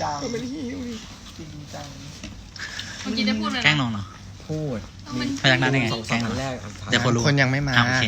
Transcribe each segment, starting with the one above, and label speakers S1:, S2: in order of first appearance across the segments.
S1: จัง
S2: เป็นหิว
S1: จริงจัง
S3: เมื่อกี้ได้พูดเลย
S4: แกล้งน้องเนาะ
S2: พูด
S4: พยักหน้าได้ไง
S2: สอง
S4: แกล้ง
S2: อั
S4: น้อน ง
S2: แรก
S4: เดี๋ยวคนรู้
S2: คนยังไม่มา
S4: โอเค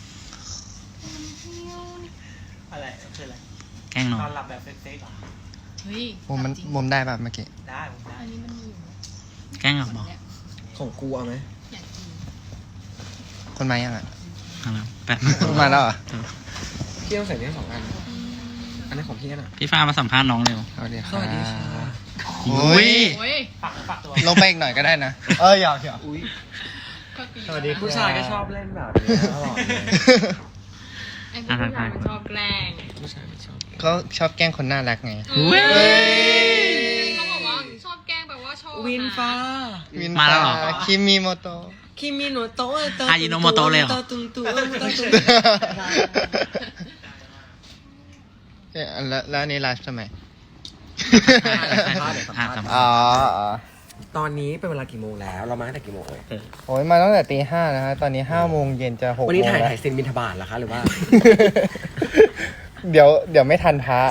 S1: อะไรคืออะไร
S4: แกล้งน้อง
S1: นอนหลับแบบเซ็กๆเหรอ
S3: เฮ้ย
S2: มุมได้ป่ะเมื่อกี้
S1: ได้ผมได้
S3: อันนี้มันมีอยู่
S4: แกล้งน้องบอก
S2: ของกูเอาไหม
S3: อยากกิน
S2: คนมายังอ่ะ
S4: เอาแล้วแป๊บ
S2: คนมาแล้วเหรอพี่ต้องใส่เนี่ย2 อันอันนี้ของพี่น่ะ
S4: พี่ฟ้ามาสัมภาษณ์น้องเร็ว
S2: สวัสดีค่ะ
S4: โอ้ย
S3: โอ้ย
S1: ฝากตัว
S2: ลงไปอีกหน่อยก็ได้นะอยากอุ้ย
S3: ก็ตี
S2: สวัสดี ผู้ชายก็ชอบเล่นแบบนี้ตลอดเลย
S3: ไอ้พวกผู้ชายมันชอบแกล้ง
S2: ผู้ชายไม่ชอบเขาชอบแกล้งคนน่ารักไง
S4: เว้ย
S3: เขาบอกว่าชอบแกล้งแปลว่าชอบ
S2: วินฟ้า
S4: มาแล้วเหรอ
S2: คิมิโมโตะ
S5: คิมิโนโตะ
S4: อายิโนโมโตะเลยเหรอ
S5: ตุ้งตุ้ง
S2: แล้วอันนี้ไลฟ์ทำไม
S4: อ๋อ
S2: ตอนนี้เป็นเวลากี่โมงแล้ว เรามาตั้งแต่กี่โมงเลย
S5: โอ้ยมาตั้งแต่ตี 5นะฮะตอนนี้5 โมงเย็นจะ6
S2: วันนี้
S5: โมง
S2: ถ่าย
S5: แล้ว
S2: ซินบินทบาทเหรอคะหรือว่า
S5: เดี๋ยวไม่ทันพระ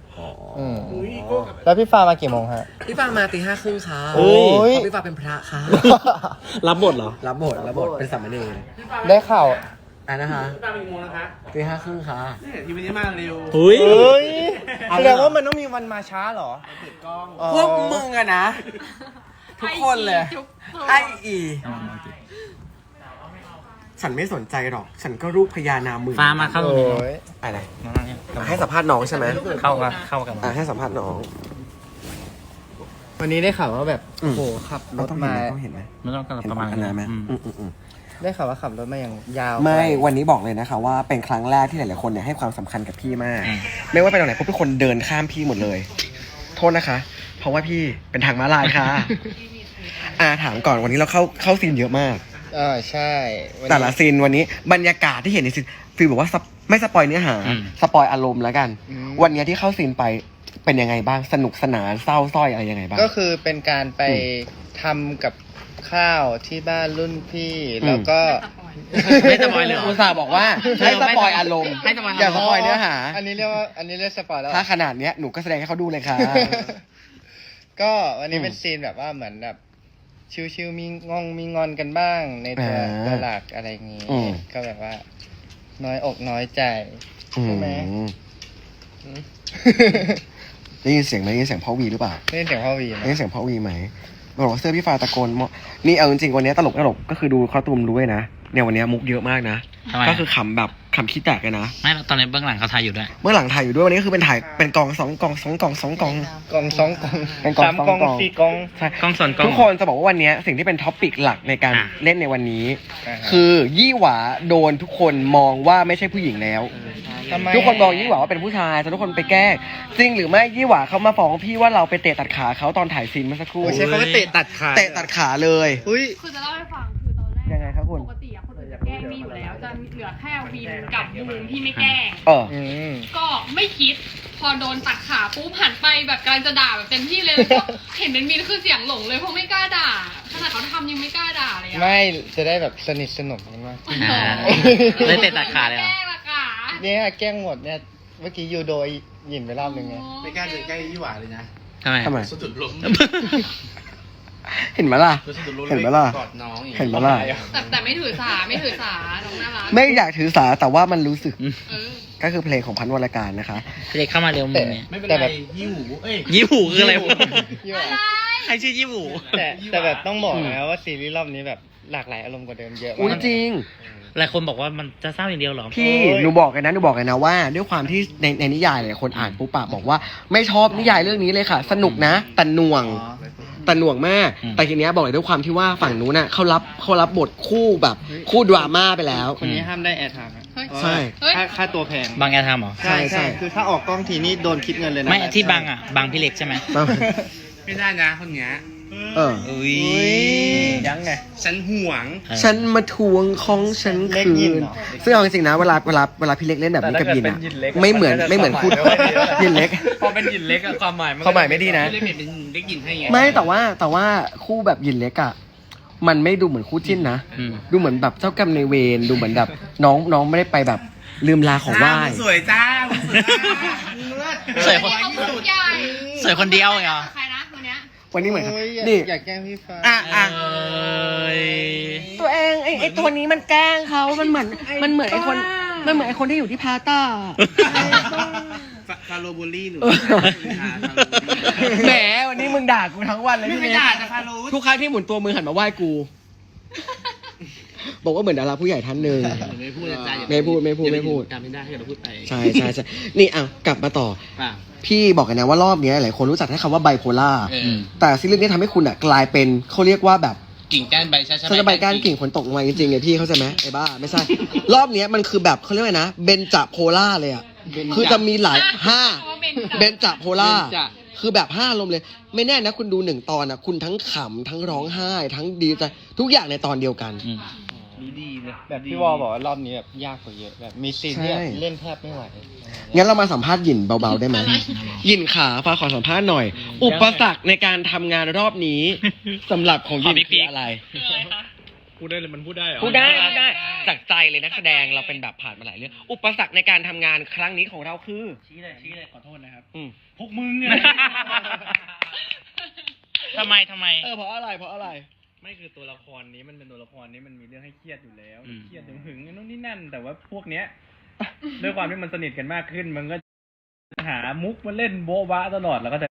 S5: แล้วพี่ฟ้ามากี่โมงฮะ
S2: พี่ฟางมาตี 5:30ค่ะ
S5: โอ้ย
S2: เพราะพี่ฟางเป็นพระค่ะ
S4: รับบทเหรอ
S2: รับบทเป็นสามเณร
S5: ได้ข่าว
S2: นะคะ
S1: ตามอีกโมงนะคะ
S2: ตี 5:30ค่ะ
S1: นี่ทีวันนี้มาเร็ว
S4: อุ้ย
S5: เฮ้ยแสดงว่ามันต้องมีวันมาช้าเหรอ
S1: เปิดกล้อง
S2: พวกมึงอะนะ ทุกคนเลย ไออีฉันไม่สนใจหรอก ฉันก็รูปพญานามึง
S4: ฟ้ามาเข้าตรงนี้
S5: โอ้ย
S2: อะไร
S4: น้องนั่งเนี่ย
S2: ให้สัมภาษณ์น้องใช่ไหม
S4: เข้ากับน้อง
S2: ให้สัมภาษณ์น้อง
S5: วันนี้ได้ข่าวว่าแบบ
S2: อืม
S5: โอ้โหขับรถ
S2: ต้อง
S5: มา
S2: เห็นไหม
S4: ไม่ต้องกันประมาณ
S2: เห็นไหม
S4: อืม
S5: ได้ข่าวว่าขับรถมาอย่างยาว
S2: ไม่
S5: ไกล
S2: วันนี้บอกเลยนะคะว่าเป็นครั้งแรกที่หลายๆคนเนี่ยให้ความสำคัญกับพี่มาก ไม่ว่าไปตรงไหนพวกทุกคนเดินข้ามพี่หมดเลย โทษนะคะ เพราะว่าพี่เป็นทางม้าลายค่ะ ถามก่อนวันนี้เราเข้าซีนเยอะมาก
S5: ใช่วันนี้
S2: แต่ละซีนวันนี้บรรยากาศที่เห็นในซีนฟีลบอกว่าไม่สปอยเนื้อหา สปอยอารมณ์แล้วกัน วันนี้ที่เข้าซีนไปเป็นยังไงบ้างสนุกสนานเศร้าสร้อยอะไรยังไงบ้าง
S5: ก็คือเป็นการไปทำกับข้าวที่บ้านรุ่นพี่ แล้วก็
S4: ไม่สปอยเลยเหรอ
S2: อุตส่าห์บอกว่าให้สปอยอารมณ์
S4: ให้สปอยอารมณ์
S2: อย่าสปอยเนื้อหา
S5: อันนี้เรียกสปอยแล้ว
S2: ถ้าขนาดเนี้ยหนูก็แสดงให้เขาดูเลยค่ะ
S5: ก็วันนี้เป็นซีนแบบว่าเหมือนแบบชิวๆมีงอนกันบ้างในตัวหลักอะไรอย่างงี้ ก็แบบว่า น้อยอกน้อยใจใช่ไหม
S2: ได้ยินเสียงไหมได้ยินเสียงพ่อวีหรือเปล่า
S5: ได้ยินเสียงพ่อวีไหม
S2: ได้ยินเสียงพ่อวีไหมบอกว่าเสื้อพี่ฟ้าตะโกนนี่เอาจริงๆวันนี้ตลกก็คือดูคอสตูมด้วยนะเนี่ยวันนี้มุกเยอะมากนะ
S4: ทำไม
S2: ก็คือขำแบบขำขี้แตกเลยนะ
S4: ไม่ตอนนี้เบื้องหลังเขาถ่ายอยู่ด้วย
S2: เมื่อหลังถ่ายอยู่ด้วยวันนี้ก็คือเป็นถ่ายเป็นกอง2 กอง 2 กอง 2 กอง
S5: กอง2 กอง
S2: เป็นกอง
S5: 3
S2: 2
S5: กอง
S2: กอง
S5: 4 กอง
S2: ใช่
S4: กล้องส่วนกล้อง
S2: ทุกคนจะบอกว่าวันนี้สิ่งที่เป็นท็อปปิกหลักในการเล่นในวันนี้
S5: อ่าฮะ
S2: คือยี่หวาโดนทุกคนมองว่าไม่ใช่ผู้หญิงแล้ว
S5: ทำไม
S2: ทุกคนมองยี่หวาว่าเป็นผู้ชายแต่ทุกคนไปแกล้งจริงหรือไม่ยี่หวาเขามาฟ้องพี่ว่าเราไปเตะตัดขาเขาตอนถ่ายซีนเมื่อสักครู่
S5: โอ้ใช้คำว่าเตะตัดขา
S2: เตะตัดขาเลย
S5: อุ้ย
S3: คือจะเล่าให้ฟังคือตอนแรก
S2: ยังไงครับคุณ
S3: ปกติอะคนอื่นจะแกล้งมีอยู่แล้ว จะเหลือแค่วินกับบูมที่ไม่แกล้ง ก็ไม่คิด พอโดนตัดขาปุ๊บหันไปแบบกำลังจะด่าแบบเต็มที่เลยแล้วก็เห็นเป็นมีนคือเสียงหลงเลยเพราะไม่กล้าด่าขนาดเขาทำยังไม่กล้าด่าเลยอะ
S5: ไม่จะได้แบบสนิทสนมกันมาก
S4: อ่าเลยเตะตัดขาเลยเหรอ
S3: แกล้งละกะ
S5: เนี่ยแกล้งหมดเนี่ยเมื่อกี้ยูโดหยินไปรอบนึงไง
S1: ไม่กล้าเดินใกล้ยี่หวาเลยนะ
S4: ทำไม
S1: สุดจุดล้ม
S2: เห็นไหมล่ะ
S1: สุดจุดล้ม
S2: เห็นไหมล่ะ
S1: กอดน้องอย่าง
S2: เห็นไหมล่ะ
S3: แต่ไม่ถือสาน้องน่ารัก
S2: ไม่อยากถือสาแต่ว่ามันรู้สึก
S3: เออ
S2: ก็คือเพลงของพันธุ์วรการนะคะ
S4: พี่เล็กเข้ามาเร็วมึงเนี่ย
S1: ไม่เป็น
S5: แต่
S1: ไร
S5: แบบ
S1: ยี่หูเอ้ย
S4: ยี่หูคืออะไรวะ
S5: ยี่หว่า
S4: ใครชื่อยี่หู
S5: แต่แบบต้องบอกนะว่าซีรีส์รอบนี้แบบหลากหลายอารมณ์กว่าเดิมเยอะ
S2: อุ้ย
S5: มาก
S2: จริง
S4: หลายคนบอกว่ามันจะเศร้าอย่างเดียวเหรอ
S2: พี่
S5: โอ้ย
S2: หนูบอกเลยนะว่าด้วยความที่ในนิยายหลายคนอ่านปุ๊บปะบอกว่าไม่ชอบนิยายเรื่องนี้เลยค่ะ สนุกนะแต่หน่วงมาก แต่ทีเนี้ยบอกเลยด้วยความที่ว่าฝั่งนู้นน่ะเขารับบทคู่แบบคู่ดราม่าไปแล้ว
S5: คนนี้ห้ามได้แอร์ไทม์นะ
S2: ใช่
S3: เฮ้ย
S5: ค่าตัวแพง
S4: บางแกทำเหรอ
S2: ใช่ใช่
S5: คือถ้าออกกล้องทีนี่โดนคิดเงินเลยนะ
S4: ไม่ที่บางอ่ะบางพี่เล็กใช่ไหม
S1: ไม่ได้นะคนเนี้ย
S2: เออ
S4: อุ้ย
S5: ยังไง
S1: ฉันห่วง
S2: ฉันมาทวงของฉัน
S5: เล็ก
S2: คื
S5: ยิน
S2: น
S5: เหรอ
S2: ซึ่งเอาจริงๆนะเวลาพี่เล็กเล่นแบบนี้กับยินอ่ะไม่เหมือนคู่ยินเล็ก
S1: พอเป็นหยินเล็กอะความหมายมัน
S2: ความหมายไม่ดีนะ
S1: ไม่ได้เปลี่ยนเป็นเล็กหยินให้ไง
S2: ไม่แต่ว่าคู่แบบยินเล็กอ่ะมันไม่ดูเหมือนคู่จิ้นนะ
S4: อืม
S2: ดูเหมือนแบบเจ้ากรรมนายเวรดูเหมือนแบบน้องไม่ได้ไปแบบลืมลาของไหว้
S1: มึงสวยจ้ามึงสวยจ้า
S4: สวยคน
S3: เขาพูดใหญ่
S4: สวยคนเดียวเหรอ
S3: ใครนะวันเนี้ย
S2: วันนี้เหมือน
S5: โอ้ย
S2: นี่
S5: อยากแกล้งพี่ฟ้า
S2: อ่ะ ตัวเองไอ้ตัวนี้มันแกล้งเขามันเหมือนไอ้คนมันเหมือนไอ้คนที่อยู่ที่พาต้า
S1: ฟาโรบูลลี่หนู
S2: แหมวันนี้มึงด่ากูทั้งวันเลย
S1: ไม่
S2: พี่
S1: ไป
S2: เล็ก
S1: ด่าจะฟาโร
S2: ทุกครั้งที่หมุนตัวมือหันมาไหว้กู บอกว่าเหมือนดาราผู้ใหญ่ท่านหนึ่ง
S1: ไม่พูดนะจ๊ะ
S2: ไม่พูด
S1: จำไม่ได้ให้เราพูดไป
S2: ใช่นี่กลับมาต่อ
S1: ป่ะ
S2: พี่บอกกันนะว่ารอบนี้หลายคนรู้จักแค่คำว่าไบโพล่า แต่ซีรีส์นี้ทำให้คุณกลายเป็นเขาเรียกว่าแบบ
S1: กิ่งก้านใบช้า
S2: ฉันจะใบก้านกิ่งฝนตกลงมาจริงๆไงพี่เข้าใจไหมไอ้บ้าไม่ใช่ รอบนี้มันคือแบบเขาเรียกว่าไงนะเบนจาโพล่าเลยอ่ะคือจะมีหลายเบนจาโพล่าคือแบบ5ลมณ์เลย ไม่แน่นะคุณดู1ตอนนะคุณทั้งขำทั้งร้องไห้ ทั้งดีใจทุกอย่างในตอนเดียวกัน
S1: ดีเลย
S5: แบบพี่วอลบอกว่ารอบนี้แบบยากกว่าเยอะแบบมีซีนที่แบบเล่นแทบไม่ไหว
S2: งั้นเรามาสัมภาษณ์หยินเบาๆได้ไหมหยินขาฟ้าขอสัมภาษณ์หน่อย อุปสรรคในการทำงานรอบนี้สำหรับของหยินคืออะไร
S3: คืออะไรคะ
S1: พูดได้เลยมันพูดได้เหรอ
S2: พูดได้จากใจเลยนักแสดงเราเป็นแบบผ่านมาหลายเรื่องอุปสรรคในการทำงานครั้งนี้ของเราคือ
S1: ชี้เลยขอโทษนะครับ
S2: พ
S1: พวกมึงไง
S4: ทำไม
S2: เพราะอะไร
S1: ไม่คือตัวละครนี้มันเป็นตัวละครนี้มันมีเรื่องให้เครียดอยู่แล้ว
S4: อืม
S1: เครียดหึงๆนู่นนี่นั่น แต่ว่าพวกเนี้ย ด้วยความที่มันสนิทกันมากขึ้น มันก็หามุกมาเล่นโบ๊ะบะตลอดแล้วก็จะ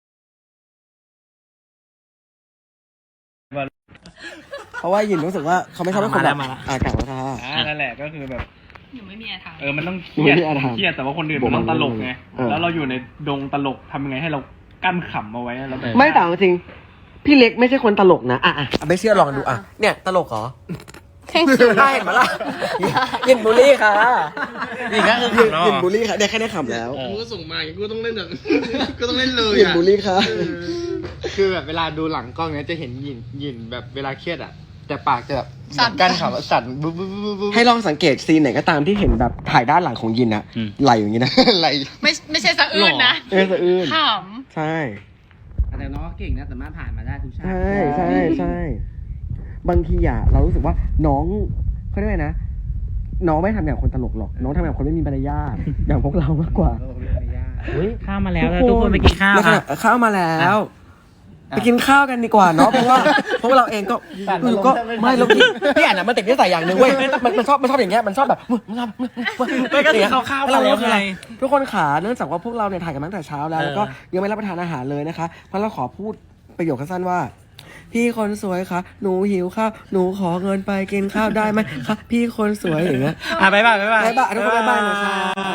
S2: เพราะว่าหยินรู้สึกว่าเขาไม่ชอบให้คนแบบ
S4: มาแล้ว
S2: กลับมาค่ะ
S1: นั่นแหละก็คือแบบ
S3: หนูไม่มีอะไรทำ
S1: มันต้องเค
S2: ไม่
S1: รียด
S2: มีอะไรทำ
S1: เครียดแต่ว่าคนอื่นมันต้องตลกไง แล้วเราอยู่ในดงตลกทำยังไงให้เรากั้นขำเอาไว้แล้วแบบ
S2: ไม่แต่เอาจริงพี่เล็กไม่ใช่คนตลกนะไม่เชื่อลองดูเนี่ยตลกเหรอ
S3: แข่งขัน
S2: ได้เห็นไหมล่ะยินบูลลี่ค่ะ
S4: นี่ก็คือขำเนอะ
S2: ยินบูลลี่ค่ะได้แค่ได้ขำแล้ว
S1: กูก็ส่งมากูต้องเล่นแบบ ก็ต้องเล่นเลย
S2: ยินบูลลี่ค่ะ
S5: คือแบบเวลาดูหลังกล้องเนี้ยจะเห็นหยินแบบเวลาเครียดอ่ะแต่ปากจะแบบ
S3: สั่น
S5: กั้นขำสั่นบุ๊บบุ๊บบุ๊บบุ๊บ
S2: ให้ลองสังเกตซีนไหนก็ตามที่เห็นแบบถ่ายด้านหลังของยินอะ
S4: อืม
S2: ไหลอย่างนี้นะ
S5: อะไร
S3: ไม่ใช่สะอื้นนะ
S2: สะอื้น
S3: ข
S2: ใช่
S1: แต่น้องก็เก่งนะสามารถผ่านมาได้ทุกชาติ
S2: ใช่บางทีเรารู้สึกว่าน้องเขาเรียกว่านะ น้องไม่ทำอย่างคนตลกหรอก น้องทำอย่างคนไม่มีมารยาทอย่างพวกเรามากกว่า
S4: อุ้ยข้ามมาแล้วทุกคนไปกินข้าว
S2: แล้ว
S4: ค
S2: ข
S4: รั
S2: ณะ
S4: บ
S2: ข้าวมาแล้วไปกินข้าวกันดีกว่าเนาะเพราะว่าเราเองก็ก็ไม่เรากินพี่อ่านมันติดนิสัยอย่างหนึ่งเว้ยมันชอบอย่างเงี้ยมันชอบแบบมันชอบ
S4: ไม่ก็คือข้าวๆแล้วไง
S2: ทุกคนขาเนื่องจากว่าพวกเราเนี่ยถ่ายกันมาตั้งแต่เช้าแล้วแล้วก็ยังไม่รับประทานอาหารเลยนะคะเพราะเราขอพูดประโยคสั้นๆว่า พี่คนสวยคะหนูหิวข้าวหนูขอเงินไปกินข้าวได้ไหมคะพี่คนสวยอย่างเงี้ย
S4: บ๊ายบาย
S2: บ๊ายบายทุกคนบ๊ายบายนะคะ